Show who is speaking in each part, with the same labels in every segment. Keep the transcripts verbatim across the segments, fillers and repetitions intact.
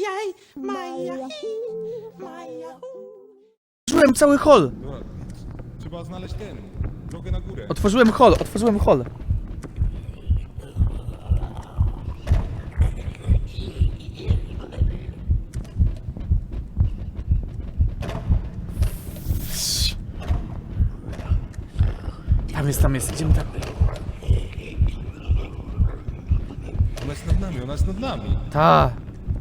Speaker 1: Majaj, Maja, Maja.
Speaker 2: Otworzyłem cały hol!
Speaker 3: Dobra, trzeba znaleźć ten, drogę na górę.
Speaker 2: Otworzyłem hol, otworzyłem hol. Tam jest, tam jest, idziemy tam.
Speaker 3: Ona jest nad nami, ona jest nad nami.
Speaker 2: Ta.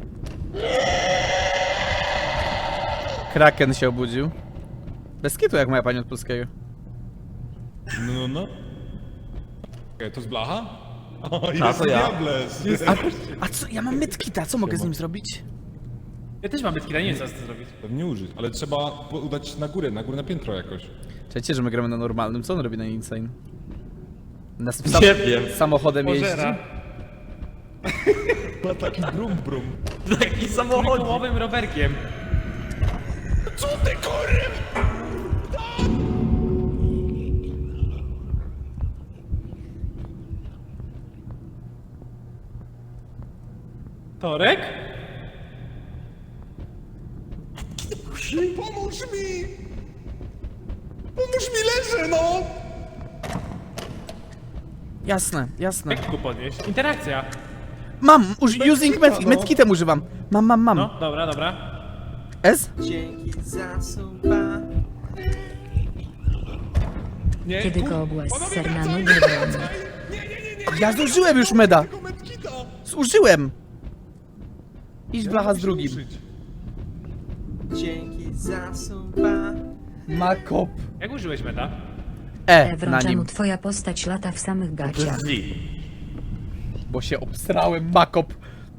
Speaker 2: Kraken się obudził. Bez kitu jak moja pani od polskiego.
Speaker 3: No, no, no. Okej, to jest blacha? O, jest
Speaker 4: to ja.
Speaker 3: Diables.
Speaker 2: A, a co, ja mam medkita, co mogę z nim zrobić?
Speaker 5: Ja też mam bytkila, nie wiem co z tym zrobić.
Speaker 3: Pewnie użyć, ale trzeba po- udać na górę, na górę na piętro jakoś.
Speaker 2: Czekajcie, że my gramy na normalnym, co on robi na insane? Na sam,
Speaker 4: Nie wiem.
Speaker 2: samochodem jeździ?
Speaker 5: Pożera.
Speaker 3: Ma taki brum brum.
Speaker 4: Taki samochód.
Speaker 5: Trójkołowym rowerkiem.
Speaker 3: Co ty kurwa?
Speaker 5: Torek?
Speaker 3: Pomóż mi! Pomóż mi, leżę, no!
Speaker 2: Jasne, jasne.
Speaker 5: Jak go podnieść? Interakcja.
Speaker 2: Mam! Uż, using med,
Speaker 3: no.
Speaker 2: medkitem używam. Mam, mam, mam.
Speaker 5: No, dobra, dobra.
Speaker 2: S?
Speaker 1: Dzięki za suba.
Speaker 3: Nie,
Speaker 6: Kiedy
Speaker 3: kur-
Speaker 6: go obłaz
Speaker 3: Panowie,
Speaker 6: ser na
Speaker 3: wracaj,
Speaker 6: nogę
Speaker 3: wracaj!
Speaker 6: wolny.
Speaker 3: Nie, nie, nie, nie!
Speaker 2: Ja zużyłem już meda!
Speaker 3: Tego medkita!
Speaker 2: Zużyłem! Idź
Speaker 3: Ja
Speaker 2: blacha
Speaker 3: mogę
Speaker 2: z
Speaker 3: się
Speaker 2: drugim.
Speaker 3: ruszyć.
Speaker 1: Dzięki za suba.
Speaker 2: Makop.
Speaker 5: Jak użyłeś meta?
Speaker 2: E, na
Speaker 6: Ewron, czemu
Speaker 2: nim.
Speaker 6: twoja postać lata w samych gaciach?
Speaker 4: Drzwi.
Speaker 2: Bo się obsrałem, makop.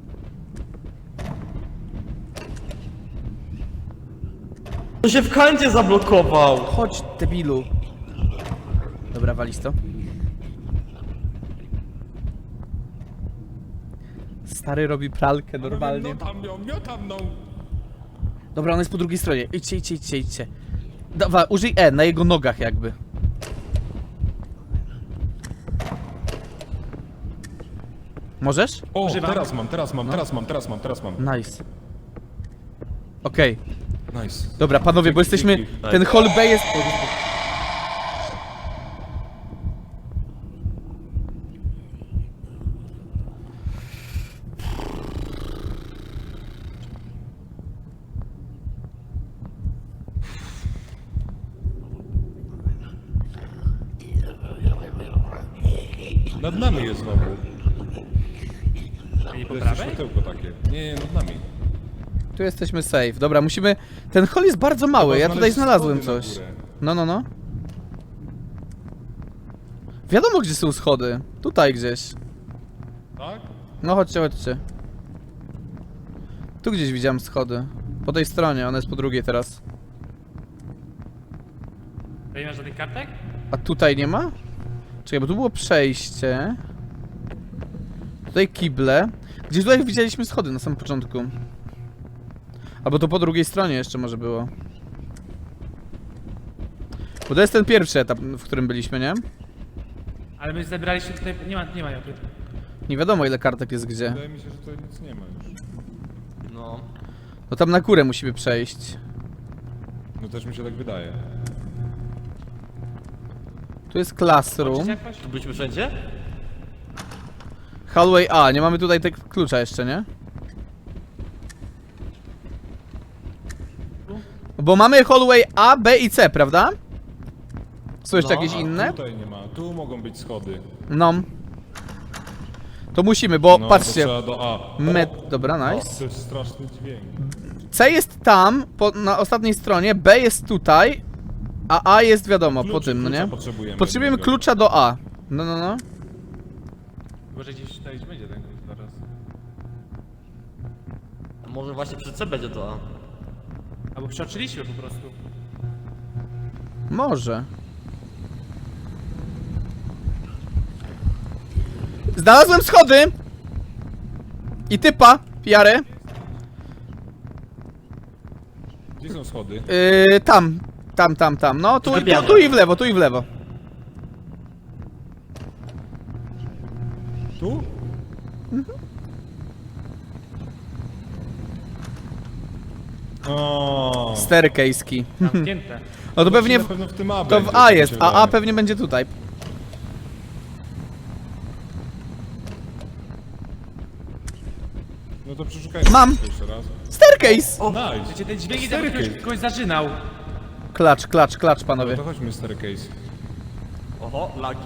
Speaker 4: On się w kancie zablokował.
Speaker 2: Chodź, debilu. Dobra, walisz to. Stary robi pralkę normalnie.
Speaker 3: Miotam ją, miotam ją!
Speaker 2: Dobra, on jest po drugiej stronie. Idźcie, idźcie, idźcie, idźcie. Dawa, użyj E, na jego nogach jakby. Możesz?
Speaker 3: O,
Speaker 5: Używam.
Speaker 3: teraz mam, teraz mam, teraz mam, teraz mam, teraz mam.
Speaker 2: Nice. Okej,
Speaker 3: Nice.
Speaker 2: dobra, panowie, bo
Speaker 3: Dzięki,
Speaker 2: jesteśmy...
Speaker 3: dzięki.
Speaker 2: Ten hall B jest...
Speaker 3: Nad nami jest znowu.
Speaker 5: I po
Speaker 3: To jest
Speaker 5: prawej?
Speaker 3: światełko takie. Nie, nie, nad nami.
Speaker 2: Tu jesteśmy safe. Dobra, musimy... Ten hall jest bardzo mały,
Speaker 3: Trzeba
Speaker 2: ja tutaj
Speaker 3: znaleźć
Speaker 2: znalazłem
Speaker 3: schody na
Speaker 2: coś.
Speaker 3: górę.
Speaker 2: No, no, no. Wiadomo, gdzie są schody. Tutaj gdzieś.
Speaker 3: Tak?
Speaker 2: No chodźcie, chodźcie. Tu gdzieś widziałem schody. Po tej stronie, ona jest po drugiej teraz.
Speaker 5: To nie masz żadnych kartek?
Speaker 2: A tutaj nie ma? Czekaj, bo tu było przejście. Tutaj kible. Gdzieś tutaj widzieliśmy schody na samym początku. Albo to po drugiej stronie jeszcze może było. Bo to jest ten pierwszy etap, w którym byliśmy, nie?
Speaker 5: Ale my zebraliśmy tutaj... Nie ma, nie ma joty.
Speaker 2: Nie wiadomo ile kartek jest gdzie.
Speaker 3: Wydaje mi się, że tutaj nic nie ma już.
Speaker 4: No.
Speaker 2: No tam na górę musimy przejść.
Speaker 3: No też mi się tak wydaje.
Speaker 2: Tu jest classroom.
Speaker 5: Czy jakoś?
Speaker 4: Tu byliśmy wszędzie?
Speaker 2: Hallway A, nie mamy tutaj tego klucza jeszcze, nie? Bo mamy hallway A, B i C, prawda? Są jeszcze
Speaker 4: No,
Speaker 2: jakieś
Speaker 3: A,
Speaker 2: inne?
Speaker 3: tutaj nie ma. Tu mogą być schody.
Speaker 2: No. To musimy, bo
Speaker 3: No, to
Speaker 2: patrzcie.
Speaker 3: trzeba do A.
Speaker 2: Med...
Speaker 3: O,
Speaker 2: Dobra,
Speaker 3: o,
Speaker 2: nice.
Speaker 3: to jest straszny dźwięk.
Speaker 2: C jest tam, po, na ostatniej stronie, B jest tutaj, a A jest wiadomo, po
Speaker 3: Klucz-
Speaker 2: tym, no
Speaker 3: klucza
Speaker 2: nie?
Speaker 3: Potrzebujemy.
Speaker 2: Potrzebujemy
Speaker 3: jednego.
Speaker 2: klucza do A. No, no, no.
Speaker 5: Może gdzieś tutaj będzie ten klucz zaraz.
Speaker 4: A może właśnie przy C będzie to A.
Speaker 5: Albo przeoczyliśmy po prostu.
Speaker 2: Może. Znalazłem schody! I typa, Jarę.
Speaker 3: Gdzie są schody?
Speaker 2: Yy, tam, tam, tam, tam. No, tu, tu,
Speaker 4: Wybiadam.
Speaker 2: tu i w lewo, tu i w lewo.
Speaker 3: Tu? O.
Speaker 2: Staircase'ki.
Speaker 5: Zamknięte.
Speaker 2: No to pewnie
Speaker 3: Na
Speaker 2: w,
Speaker 3: pewno w tym A
Speaker 2: to
Speaker 3: będzie,
Speaker 2: w A
Speaker 3: tak mi
Speaker 2: jest,
Speaker 3: się
Speaker 2: a A
Speaker 3: wydaje.
Speaker 2: pewnie będzie tutaj.
Speaker 3: No to przeszukajmy
Speaker 2: Mam.
Speaker 3: jeszcze raz.
Speaker 2: Staircase!
Speaker 3: Nice.
Speaker 5: Wiecie, ten dźwięk jest
Speaker 3: Staircase.
Speaker 5: jakby ktoś, kogoś zaczynał.
Speaker 2: Klacz, klacz, klacz,
Speaker 3: No
Speaker 2: panowie.
Speaker 3: to chodźmy staircase.
Speaker 4: Oho, lagi.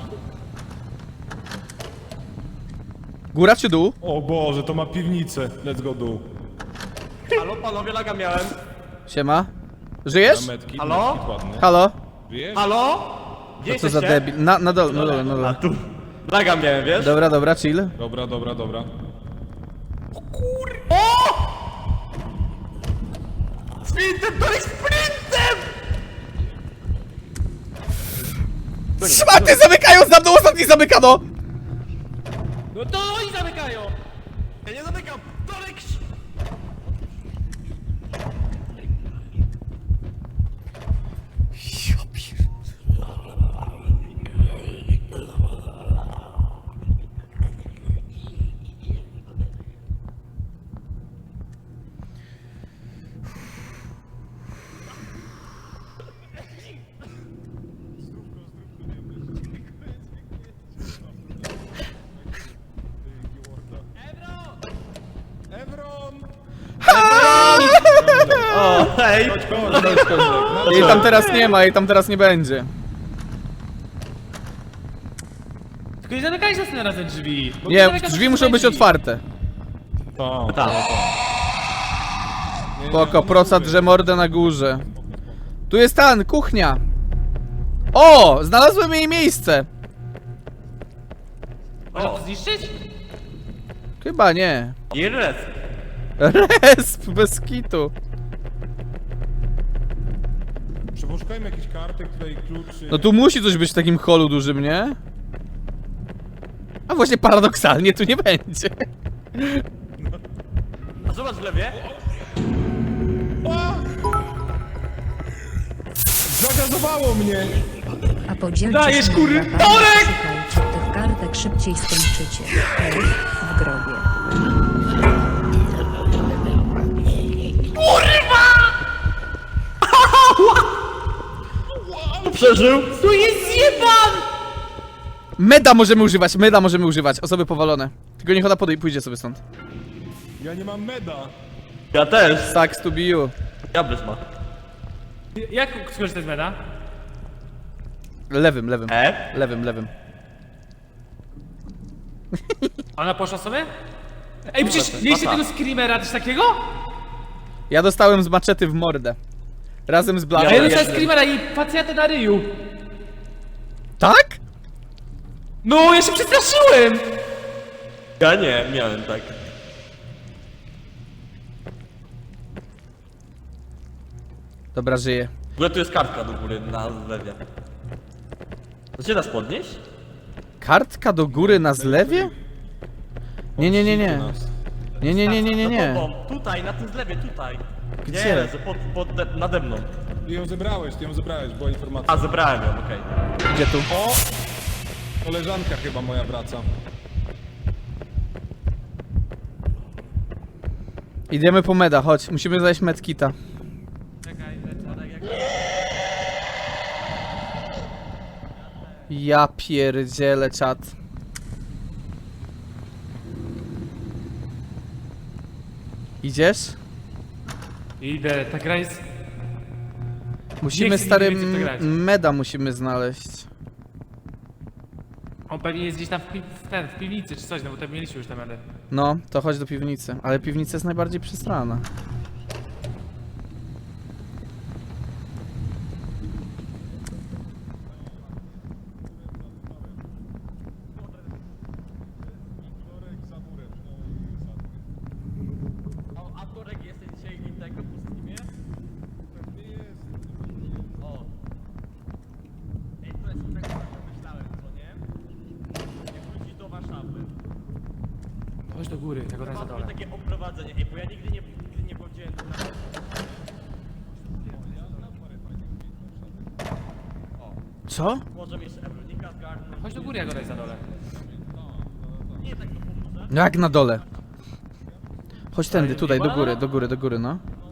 Speaker 2: Góra czy dół?
Speaker 3: O Boże, to ma piwnicę. Let's go dół.
Speaker 4: Halo, panowie, laga miałem.
Speaker 2: Siema. Żyjesz?
Speaker 3: Na metki,
Speaker 4: Halo?
Speaker 3: metki ładne.
Speaker 2: Halo?
Speaker 3: Wiesz?
Speaker 4: Halo? Gdzie
Speaker 2: Co za
Speaker 4: jesteście?
Speaker 2: debil. Na, na dole, na dole, na
Speaker 4: A
Speaker 2: dole.
Speaker 4: tu. Laga miałem, wiesz?
Speaker 2: Dobra, dobra, chill.
Speaker 3: Dobra, dobra, dobra.
Speaker 4: Sprintem, to jest sprintem!
Speaker 2: Szmaty zamykają za mną, ostatni zamykano!
Speaker 5: No to oni zamykają!
Speaker 4: Ja nie zamykam! Torek!
Speaker 3: Evron!
Speaker 4: O, hej!
Speaker 3: Chodź, chodź, chodź, chodź.
Speaker 2: Jej tam teraz nie ma, jej tam teraz nie będzie.
Speaker 5: Tylko nie zamykajcie następnym razem drzwi. bo
Speaker 2: Nie,
Speaker 5: zamykasz
Speaker 2: drzwi muszą być
Speaker 5: drzwi.
Speaker 2: otwarte.
Speaker 3: Tak,
Speaker 4: Tak.
Speaker 3: Nie, nie,
Speaker 2: Spoko,
Speaker 3: no
Speaker 2: proca
Speaker 3: mówię.
Speaker 2: drze mordę na górze. Tu jest tan, kuchnia. O, znalazłem jej miejsce.
Speaker 5: Można to zniszczyć?
Speaker 2: Chyba nie.
Speaker 4: I res.
Speaker 2: Resp, bez kitu.
Speaker 3: Przeposzukajmy jakichś kartek, tutaj kluczy.
Speaker 2: No tu musi coś być w takim holu dużym, nie? A właśnie paradoksalnie tu nie będzie.
Speaker 4: A zobacz w lewie.
Speaker 3: Zagazowało mnie!
Speaker 6: A podzielcie
Speaker 5: Dajesz,
Speaker 6: się na
Speaker 5: kury,
Speaker 6: drapanie,
Speaker 5: Torek!
Speaker 6: szukajcie tych kartek, szybciej skończycie. Ej, w grobie.
Speaker 4: Przeżył.
Speaker 5: Tu jest zjebam!
Speaker 2: Meda możemy używać, meda możemy używać. Osoby powalone. Tylko niech ona podej pójdzie sobie stąd.
Speaker 3: Ja nie mam meda.
Speaker 4: Ja też.
Speaker 2: Sucks to be you.
Speaker 4: Diables ma.
Speaker 5: Jak skorzystać z meda?
Speaker 2: Lewym, lewym.
Speaker 4: E?
Speaker 2: Lewym, lewym.
Speaker 5: Ona poszła sobie? Ej, przecież mieliście
Speaker 4: Papa.
Speaker 5: tego screamera też takiego?
Speaker 2: Ja dostałem z maczety w mordę. Razem z
Speaker 5: A
Speaker 2: blachą.
Speaker 5: ja
Speaker 4: Ja
Speaker 5: dostałem
Speaker 4: nie.
Speaker 5: screamera i pacjentę na ryju.
Speaker 2: Tak?
Speaker 5: No, ja się przestraszyłem!
Speaker 4: Ja nie, miałem tak.
Speaker 2: Dobra, żyję.
Speaker 4: W ogóle tu jest kartka do góry na zlewie. To się da podnieść?
Speaker 2: Kartka do góry na zlewie? Nie, nie, nie, nie. Nie, nie, nie, nie, nie, nie.
Speaker 4: Za tobą. Tutaj, na tym zlewie, tutaj.
Speaker 2: Gdzie?
Speaker 4: Nie, leży pod, pod, de- nade mną.
Speaker 3: Ty ją zebrałeś, ty ją zebrałeś, była informacja.
Speaker 4: A, zebrałem ją, okej.
Speaker 2: Gdzie tu?
Speaker 3: O! Koleżanka chyba moja wraca.
Speaker 2: Idziemy po meda, chodź. Musimy znaleźć medkita.
Speaker 5: Czekaj,
Speaker 2: Ja pierdzielę czat. Idziesz?
Speaker 5: idę, ta gra jest...
Speaker 2: Musimy
Speaker 5: Nie chcę
Speaker 2: stary
Speaker 5: nigdy więcej w to grać.
Speaker 2: m- meda musimy znaleźć.
Speaker 5: On pewnie jest gdzieś tam w, pi w, ten, w piwnicy czy coś, no bo tam mieliśmy już te medy.
Speaker 2: No, to chodź do piwnicy. Ale piwnica jest najbardziej przestrana.
Speaker 4: A, a Torek jesteś dzisiaj tego po streamie? O. Ej, to jest tak, jak myślałem, co nie? Jak wrócić do Warszawy.
Speaker 5: Chodź do góry, tego na
Speaker 4: Mam
Speaker 5: dole.
Speaker 4: takie oprowadzenie, ej, bo ja nigdy nie, nigdy nie powiedziałem tu na...
Speaker 2: Co?
Speaker 4: Może jeszcze Ewronika zgarnąć.
Speaker 5: Chodź do góry, ja go daj za dole.
Speaker 4: Nie tak to pomoże.
Speaker 2: Jak na dole? Chodź tędy, tutaj, do góry, do góry, do góry, no.